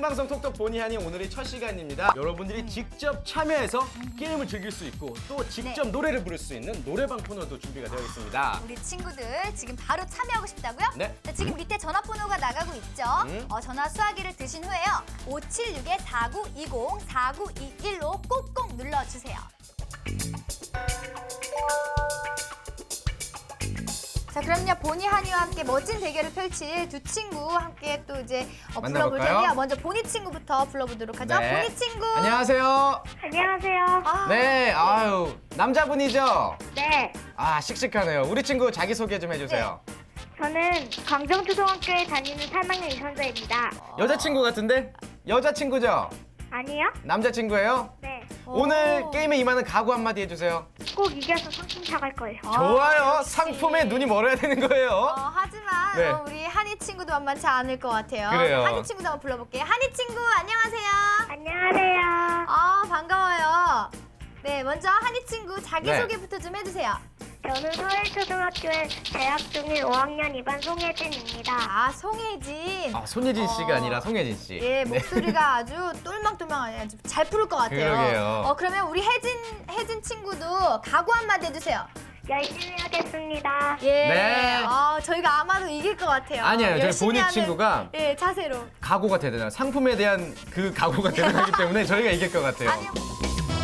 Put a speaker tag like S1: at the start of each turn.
S1: 생방송 톡톡 보니 하니 오늘이 첫 시간입니다. 여러분들이 직접 참여해서 게임을 즐길 수 있고 또 직접 노래를 부를 수 있는 노래방 코너도 준비가 되어 있습니다.
S2: 우리 친구들 지금 바로 참여하고 싶다고요?
S1: 네.
S2: 자, 지금 밑에 전화번호가 나가고 있죠? 전화 수화기를 드신 후에요. 576-4920, 4921로 꼭꼭 눌러주세요. 자, 그럼요. 보니 한이와 함께 멋진 대결을 펼칠 두 친구 함께 또 이제 불러볼
S1: 만나볼까요?
S2: 텐데요. 먼저 보니 친구부터 불러보도록 하죠.
S1: 네.
S2: 보니 친구.
S1: 안녕하세요.
S3: 안녕하세요.
S2: 아,
S1: 네, 아유 남자분이죠?
S3: 네,
S1: 아 씩씩하네요. 우리 친구 자기 소개 좀 해주세요.
S3: 저는 광정초등학교에 다니는 3학년 이선자입니다.
S1: 여자친구 같은데? 여자친구죠?
S3: 아니요?
S1: 남자친구예요?
S3: 네,
S1: 오늘
S2: 오.
S1: 게임에 임하는 각오 한마디 해주세요.
S3: 꼭 이겨서 상품 사갈 거예요.
S1: 좋아요.
S2: 역시.
S1: 상품에 눈이 멀어야 되는 거예요.
S2: 하지만
S1: 네.
S2: 우리 한이 친구도 만만치 않을 것 같아요.
S1: 그래요.
S2: 한이 친구도 한번 불러볼게요. 한이 친구 안녕하세요.
S3: 안녕하세요.
S2: 반가워요. 네, 먼저 한이 친구 자기소개부터 좀 해주세요.
S3: 저는 서울초등학교에 재학 중인 5학년 2반 송혜진입니다.
S2: 송혜진.
S1: 손예진 씨가 아니라 송혜진 씨.
S2: 예, 목소리가 아주 똘망똘망하네. 아주 잘 부를 것 같아요.
S1: 그러게요.
S2: 그러면 우리 혜진 친구도 각오 한마디 해주세요.
S3: 열심히 하겠습니다.
S2: 예.
S1: 네.
S2: 저희가 아마도 이길 것 같아요.
S1: 아니에요. 저희
S2: 열심히
S1: 보니
S2: 하는,
S1: 친구가
S2: 예, 자세로.
S1: 각오가 대단해요. 상품에 대한 그 각오가 대단하기 때문에 저희가 이길 것 같아요.
S2: 아니요.